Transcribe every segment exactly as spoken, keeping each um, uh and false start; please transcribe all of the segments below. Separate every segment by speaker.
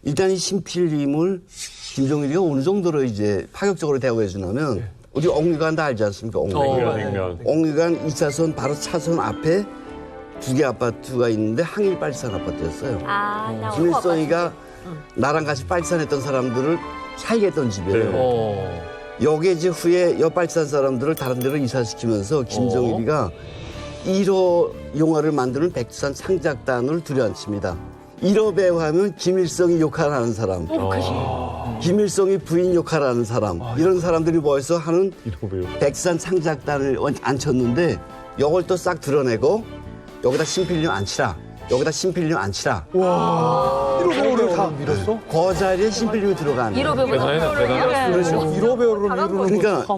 Speaker 1: 일단 이 신필님을 김종일이가 어느 정도로 이제 파격적으로 대우해 주냐면 네. 우리 옥류관 다 알지 않습니까? 옥류관.
Speaker 2: 어,
Speaker 1: 옥류관 이 차선 바로 차선 앞에 두 개 아파트가 있는데 항일 빨치산 아파트였어요.
Speaker 3: 아, 나
Speaker 1: 김일성이가 나랑 같이 빨치산했던 사람들을 살게 했던 집이에요.
Speaker 2: 어.
Speaker 1: 여기 이제 후에 옆빨치산 사람들을 다른 데로 이사시키면서 김정일이가 일 호 영화를 만드는 백두산 창작단을 들여앉힙니다. 일 호 배우 하면 김일성이 역할하는 사람,
Speaker 2: 어.
Speaker 1: 김일성이 부인 역할하는 사람, 이런 사람들이 모여서 하는
Speaker 2: 일 호 배우.
Speaker 1: 백두산 창작단을 앉혔는데 이걸 또 싹 드러내고 여기다 신필님 앉히라. 여기다 신필님 앉히라.
Speaker 4: 와. 일 호 배우를 다 밀었어?
Speaker 1: 그 자리에 신필님이 들어가는
Speaker 3: 일 호 배우
Speaker 2: 대단해, 대단해.
Speaker 4: 그렇죠. 일 호 배우를 미루는
Speaker 1: 그러니까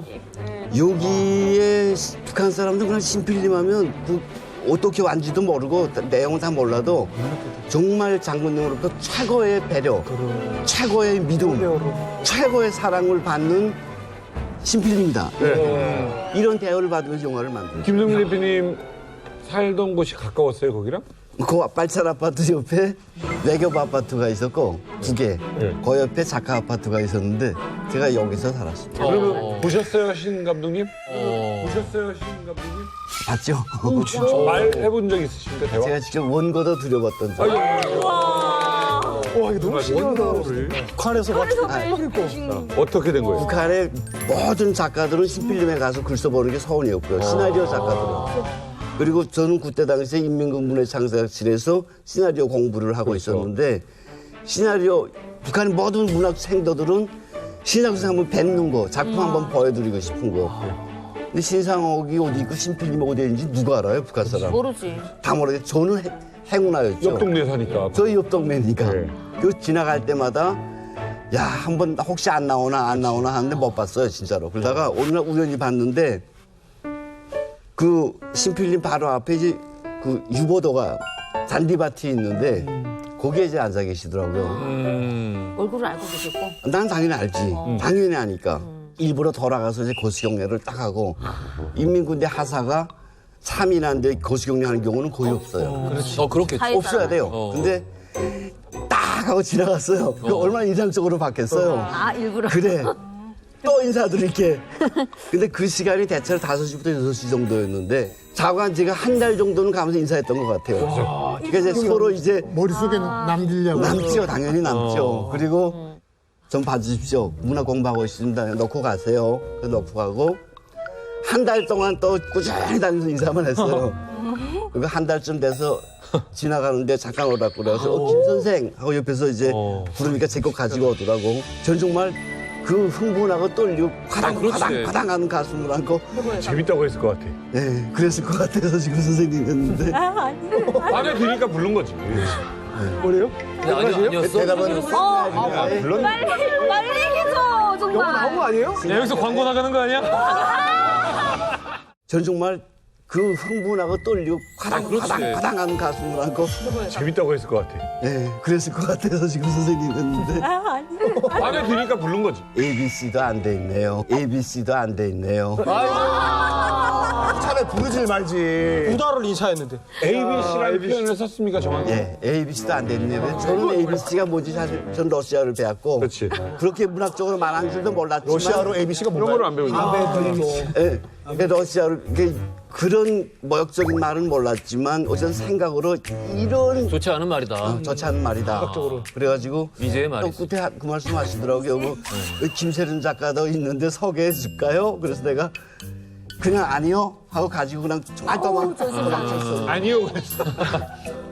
Speaker 1: 여기에 북한 사람들 그냥 신필님 하면 그 어떻게 왔는지도 모르고 내용은 다 몰라도 정말 장군님으로부터 최고의 배려, 최고의 믿음, 최고의 사랑을 받는 신필님이다.
Speaker 2: 네.
Speaker 1: 이런 대우를 받으면서 영화를 만든.
Speaker 2: 김종민 대표님 살던 곳이 가까웠어요, 거기랑?
Speaker 1: 그 빨치산 아파트 옆에 외교부 아파트가 있었고 두 개.
Speaker 2: 네.
Speaker 1: 그 옆에 작가 아파트가 있었는데 제가 여기서 살았습니다.
Speaker 2: 그러면 보셨어요, 신 감독님? 보셨어요, 신 감독님?
Speaker 1: 봤죠?
Speaker 2: 말 해본 적 있으십니까, 대화?
Speaker 1: 제가 직접 원고도 드려봤던 적.
Speaker 2: 아유, 아유,
Speaker 4: 와, 이거 너무 신기하다.
Speaker 2: 원고를
Speaker 4: 북한에서 막
Speaker 2: 어떻게 된 거예요?
Speaker 1: 북한의 모든 작가들은 신필름에 가서 글 써보는 게 서원이었고요. 시나리오 작가들은. 그리고 저는 그때 당시에 인민군문예 창작실에서 시나리오 공부를 하고
Speaker 2: 그렇죠.
Speaker 1: 있었는데 시나리오, 북한의 모든 문학 생도들은 신상수 한번 뵙는 거, 작품 한번 보여드리고 싶은 거. 근데 신상옥이 어디 있고 신필님이 어디 있는지 누가 알아요, 북한 사람?
Speaker 3: 모르지.
Speaker 1: 다 모르게 저는 해- 행운아였죠.
Speaker 2: 옆 동네 사니까.
Speaker 1: 저희 옆 동네니까.
Speaker 2: 네.
Speaker 1: 그 지나갈 때마다 야, 한번 혹시 안 나오나 안 나오나 하는데 못 봤어요, 진짜로. 그러다가 어느 날 우연히 봤는데 그 신필님 바로 앞에 이제 그 유보도가 잔디밭이 있는데 거기에 이제 앉아 계시더라고요.
Speaker 2: 음.
Speaker 3: 얼굴을 알고 계셨고.
Speaker 1: 난 당연히 알지. 당연히 아니까. 일부러 돌아가서 이제 거시경례를 딱 하고 인민군대 하사가 참인한데 거시경례 하는 경우는 거의 없어요.
Speaker 5: 그렇지. 어, 그렇겠지.
Speaker 3: 사회
Speaker 1: 없어야 돼요.
Speaker 5: 어.
Speaker 1: 근데 딱 하고 지나갔어요. 그 얼마나 인상적으로 봤겠어요.
Speaker 3: 아, 일부러.
Speaker 1: 그래. 또 인사드릴게. 근데 그 시간이 대체로 다섯 시부터 여섯 시 정도였는데 자관 제가 한 달 정도는 가면서 인사했던 것 같아요. 그러니까 이제 서로 이제
Speaker 4: 머릿속에 남기려고.
Speaker 1: 남죠. 당연히 남죠. 그리고 좀 봐주십시오. 문학 공부하고 있습니다. 넣고 가세요. 그래서 넣고 가고 한 달 동안 또 꾸준히 다니면서 인사만 했어요. 그리고 한 달쯤 돼서 지나가는데 잠깐 오라고 그래서 어, 김 선생 하고 옆에서 이제
Speaker 2: 어.
Speaker 1: 부르니까 제 거 가지고 오더라고. 전 정말 그 흥분하고 떨리고 화당
Speaker 5: 아, 그렇지.
Speaker 1: 화당 화당 하는 가슴을 안고
Speaker 2: 재밌다고 했을 것 같아.
Speaker 1: 네, 그랬을 것 같아서 지금 선생님이었는데
Speaker 2: 마음에 드니까 부른 거지.
Speaker 4: 뭐래요?
Speaker 5: 아니, 아니었어?
Speaker 1: 대답은
Speaker 3: 어,
Speaker 1: 네.
Speaker 2: 물론
Speaker 3: 빨리, 빨리 얘기해줘, 정말.
Speaker 4: 영화 나온 거 아니에요?
Speaker 2: 야, 여기서 광고 나가는 거 아니야?
Speaker 1: 전 정말 그 흥분하고 떨리고 화당
Speaker 5: 아, 그렇지.
Speaker 1: 화당 화당 하는 가슴을 안고
Speaker 2: 재밌다고 했을 것 같아.
Speaker 1: 네, 그랬을 것 같아서 지금 선생님이었는데
Speaker 2: 마음에 드니까 부른 거지.
Speaker 1: 에이비씨도 안 돼 있네요. 에이비씨도 안 돼 있네요.
Speaker 4: 차라리 부르질 말지. 우다를 인사했는데.
Speaker 2: 에이비씨라는 표현을 썼습니까, 정확히?
Speaker 1: 예, 에이비씨도 안 돼 있네요. 저는 에이비씨가 뭔지 사실 전 러시아를 배웠고
Speaker 2: 그렇지.
Speaker 1: 그렇게 문학적으로 말한 줄도 몰랐지만
Speaker 4: 러시아로 에이비씨가
Speaker 2: 이런 거를 안 배우지.
Speaker 1: 예, 그러니까 러시아로 이게 그런 모욕적인 말은 몰랐지만 어쨌든 생각으로 이런
Speaker 5: 좋지 않은 말이다.
Speaker 1: 좋지 않은 말이다. 그래가지고
Speaker 5: 미제의
Speaker 1: 또
Speaker 5: 말이지.
Speaker 1: 끝에 하- 그 말씀 하시더라고요. 뭐 김세련 작가도 있는데 소개해 줄까요? 그래서 내가 그냥 아니요 하고 가지고 그냥 정말 도망 도망쳤어.
Speaker 2: 아니요, 그랬어.